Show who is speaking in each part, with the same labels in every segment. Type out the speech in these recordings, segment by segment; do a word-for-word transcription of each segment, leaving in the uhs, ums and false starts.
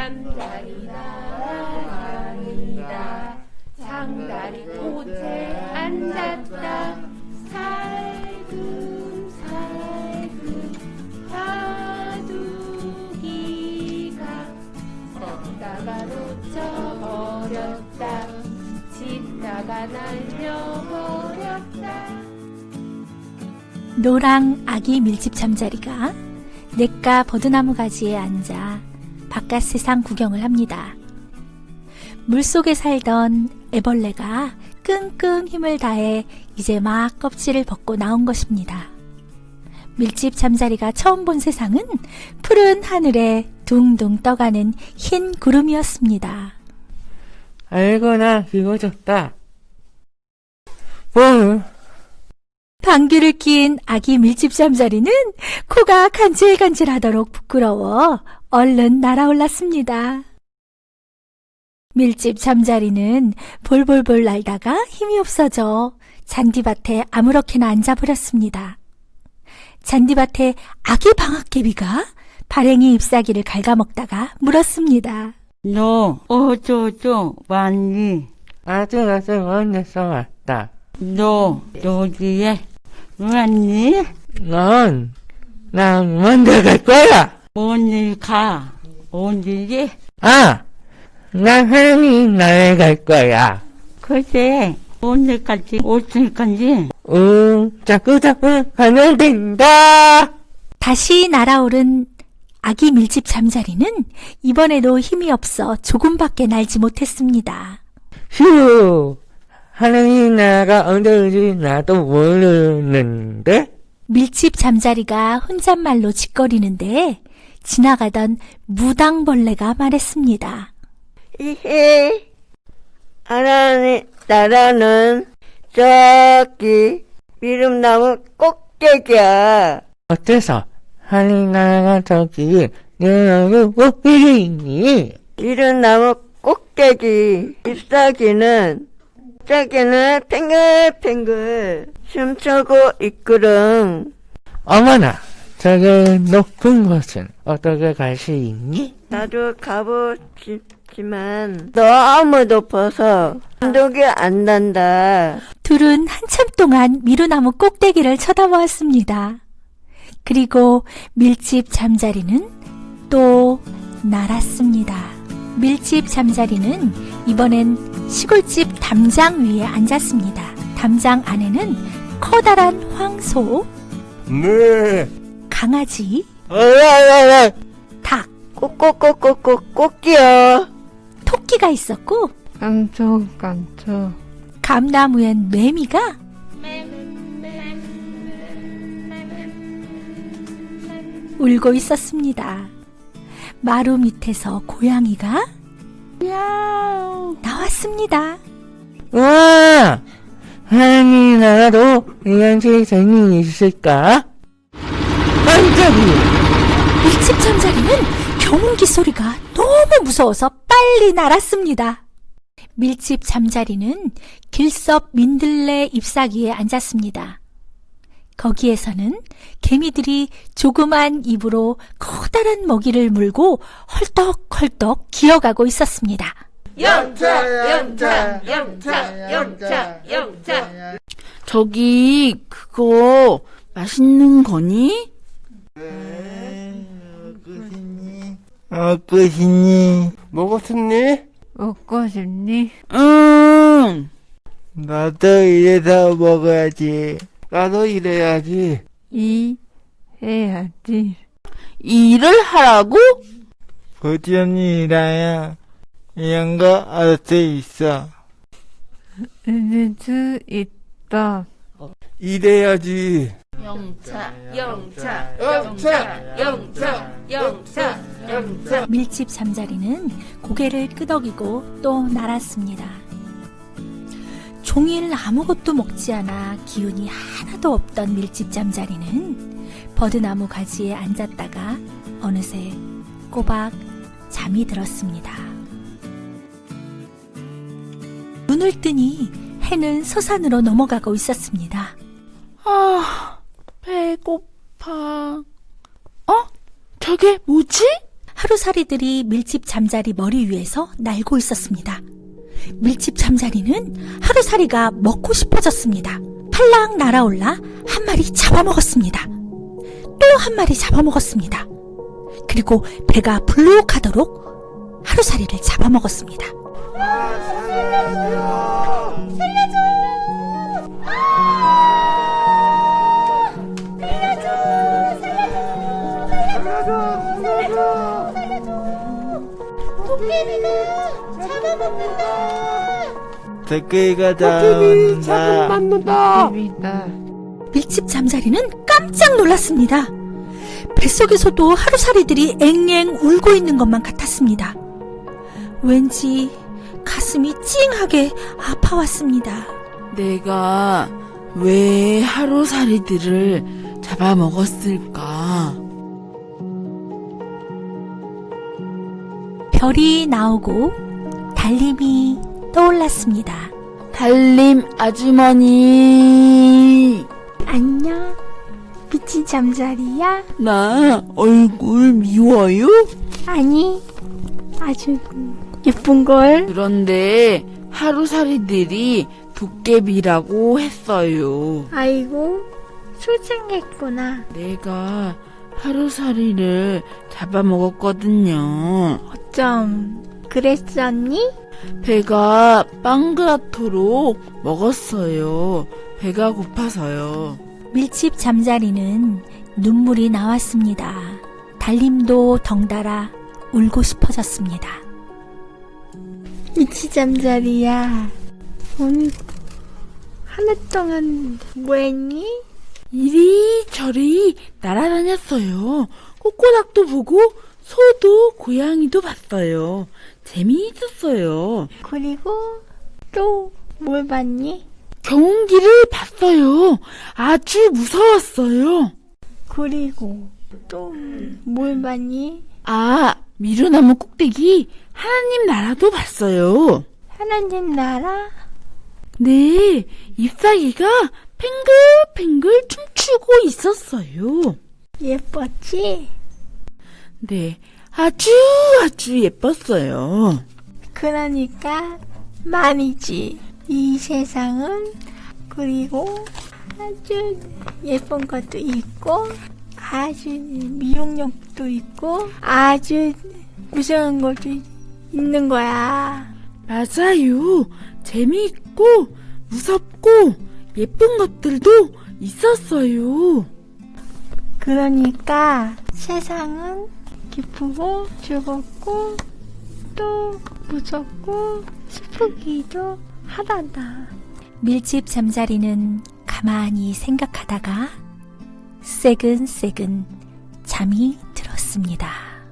Speaker 1: 잠자리 나란이다. 장다리 곁에 앉았다. 살금살금 바둑이가 섰다가 놓쳐버렸다. 짚다가 날려버렸다.
Speaker 2: 노랑 아기 밀집 잠자리가 냇가 버드나무 가지에 앉아 바깥 세상 구경을 합니다. 물속에 살던 애벌레가 끙끙 힘을 다해 이제 막 껍질을 벗고 나온 것입니다. 밀집 잠자리가 처음 본 세상은 푸른 하늘에 둥둥 떠가는 흰 구름이었습니다.
Speaker 3: 아이고나 기고졌다. 뭐?
Speaker 2: 방귀를 낀 아기 밀집 잠자리는 코가 간질간질하도록 부끄러워 얼른 날아올랐습니다. 밀집 잠자리는 볼볼볼 날다가 힘이 없어져 잔디밭에 아무렇게나 앉아버렸습니다. 잔디밭에 아기 방앗개비가 발행이 잎사귀를 갉아먹다가 물었습니다.
Speaker 4: 너 어쩌죠 왔니?
Speaker 3: 아주 아주 먼데서 왔다.
Speaker 4: 너 여기에 왔니?
Speaker 3: 넌, 난 먼저 갈 거야.
Speaker 4: 어디 가? 어디지?
Speaker 3: 아, 난 하나님 나라에 갈 거야.
Speaker 4: 글쎄 언제까지 어쩔 건지.
Speaker 3: 응, 자꾸 자꾸 가면 된다.
Speaker 2: 다시 날아오른 아기 밀집 잠자리는 이번에도 힘이 없어 조금밖에 날지 못했습니다.
Speaker 3: 휴, 하나님 나라가 언제 오지 나도 모르는데?
Speaker 2: 밀집 잠자리가 혼잣말로 짓거리는데 지나가던 무당벌레가 말했습니다.
Speaker 5: 이히 하나님 나라는 저기 미름나무 꼭대기야.
Speaker 3: 어때서 하나님 나라가 저기 내 얼굴 꼭대기에 있니?
Speaker 5: 미름나무 꼭대기 잎사귀는 잎사귀는 팽글팽글 춤추고 있거든.
Speaker 3: 어머나, 저기 높은 곳은 어떻게 갈 수 있니?
Speaker 5: 나도 가보고 싶지만 너무 높아서 감독이 안 난다.
Speaker 2: 둘은 한참 동안 미루나무 꼭대기를 쳐다보았습니다. 그리고 밀집 잠자리는 또 날았습니다. 밀집 잠자리는 이번엔 시골집 담장 위에 앉았습니다. 담장 안에는 커다란 황소,
Speaker 3: 네.
Speaker 2: 강아지,
Speaker 3: 어라라라.
Speaker 2: 닭,
Speaker 5: 꼭꼭꼭꼭꼭 꼭지요.
Speaker 2: 토끼가 있었고
Speaker 5: 깜짝깜짝.
Speaker 2: 감나무엔 매미가 울고 있었습니다. 마루 밑에서 고양이가 나왔습니다.
Speaker 3: 와! 하나님 나라도 이런 재능이 있을까? 깜짝이야!
Speaker 2: 밀집 잠자리는 경운기 소리가 너무 무서워서 빨리 날았습니다. 밀집 잠자리는 길섭 민들레 잎사귀에 앉았습니다. 거기에서는 개미들이 조그만 입으로 커다란 먹이를 물고 헐떡헐떡 기어가고 있었습니다.
Speaker 1: 영차 영차 영차 영차 영차.
Speaker 6: 저기 그거 맛있는 거니?
Speaker 3: 먹고 싶니? 먹었니?
Speaker 5: 먹고 싶니?
Speaker 6: 응.
Speaker 3: 나도 이래서 먹어야지. 나도 이래야지.
Speaker 5: 이 해야지.
Speaker 6: 일을 하라고?
Speaker 3: 고지언니 일하야 이런 거 알 수 있어.
Speaker 5: 잊을 수 있다.
Speaker 3: 이래야지.
Speaker 1: 영차 영차 영차 영차 영차 영차.
Speaker 2: 밀집 잠자리는 고개를 끄덕이고 또 날았습니다. 종일 아무것도 먹지 않아 기운이 하나도 없던 밀집 잠자리는 버드나무 가지에 앉았다가 어느새 꼬박 잠이 들었습니다. 눈을 뜨니 해는 서산으로 넘어가고 있었습니다.
Speaker 6: 아, 배고파. 어? 저게 뭐지?
Speaker 2: 하루살이들이 밀집 잠자리 머리 위에서 날고 있었습니다. 밀집 잠자리는 하루살이가 먹고 싶어졌습니다. 팔랑 날아올라 한 마리 잡아먹었습니다. 또 한 마리 잡아먹었습니다. 그리고 배가 불룩하도록 하루살이를 잡아먹었습니다.
Speaker 3: 도깨비가 잡는다.
Speaker 5: 비비다.
Speaker 2: 밀집 잠자리는 깜짝 놀랐습니다. 뱃속에서도 하루살이들이 앵앵 울고 있는 것만 같았습니다. 왠지 가슴이 찡하게 아파왔습니다.
Speaker 6: 내가 왜 하루살이들을 잡아먹었을까?
Speaker 2: 별이 나오고 달림이 떠올랐습니다.
Speaker 6: 달림 아주머니,
Speaker 2: 안녕, 미친 잠자리야?
Speaker 6: 나 얼굴 미워요?
Speaker 2: 아니, 아주 예쁜걸?
Speaker 6: 그런데 하루살이들이 도깨비라고 했어요.
Speaker 2: 아이고, 수상했구나.
Speaker 6: 내가 하루살이를 잡아먹었거든요.
Speaker 2: 어쩜 그랬었니?
Speaker 6: 배가 빵그랗도록 먹었어요. 배가 고파서요.
Speaker 2: 밀집 잠자리는 눈물이 나왔습니다. 달림도 덩달아 울고 싶어졌습니다.
Speaker 7: 미치 잠자리야. 오늘 하루 동안 뭐했니?
Speaker 6: 이리저리 날아다녔어요. 꼬꼬닥도 보고 소도 고양이도 봤어요. 재미있었어요.
Speaker 7: 그리고 또 뭘 봤니?
Speaker 6: 경운기를 봤어요. 아주 무서웠어요.
Speaker 7: 그리고 또 뭘 봤니?
Speaker 6: 아, 미루나무 꼭대기 하나님 나라도 봤어요.
Speaker 7: 하나님 나라?
Speaker 6: 네, 잎사귀가 팽글팽글 춤추고 있었어요.
Speaker 7: 예뻤지?
Speaker 6: 네, 아주 아주 예뻤어요.
Speaker 7: 그러니까 말이지. 이 세상은 그리고 아주 예쁜 것도 있고 아주 미용력도 있고 아주 무서운 것도 있는 거야.
Speaker 6: 맞아요. 재미있고 무섭고 예쁜 것들도 있었어요.
Speaker 7: 그러니까 세상은 기쁘고 즐겁고 또 무섭고 슬프기도 하단다.
Speaker 2: 밀집 잠자리는 가만히 생각하다가 새근새근 잠이 들었습니다.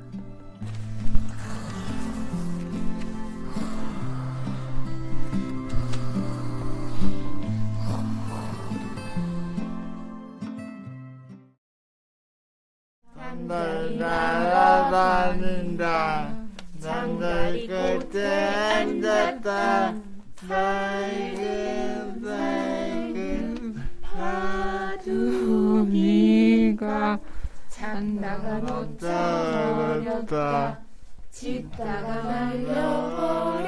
Speaker 3: 날 날아다닌다. 잠자리 끝에 앉았다. 살금 살금
Speaker 5: 파두기가
Speaker 1: 잔다가
Speaker 3: 놓쳐버렸다.
Speaker 1: 짖다가 말려버렸다.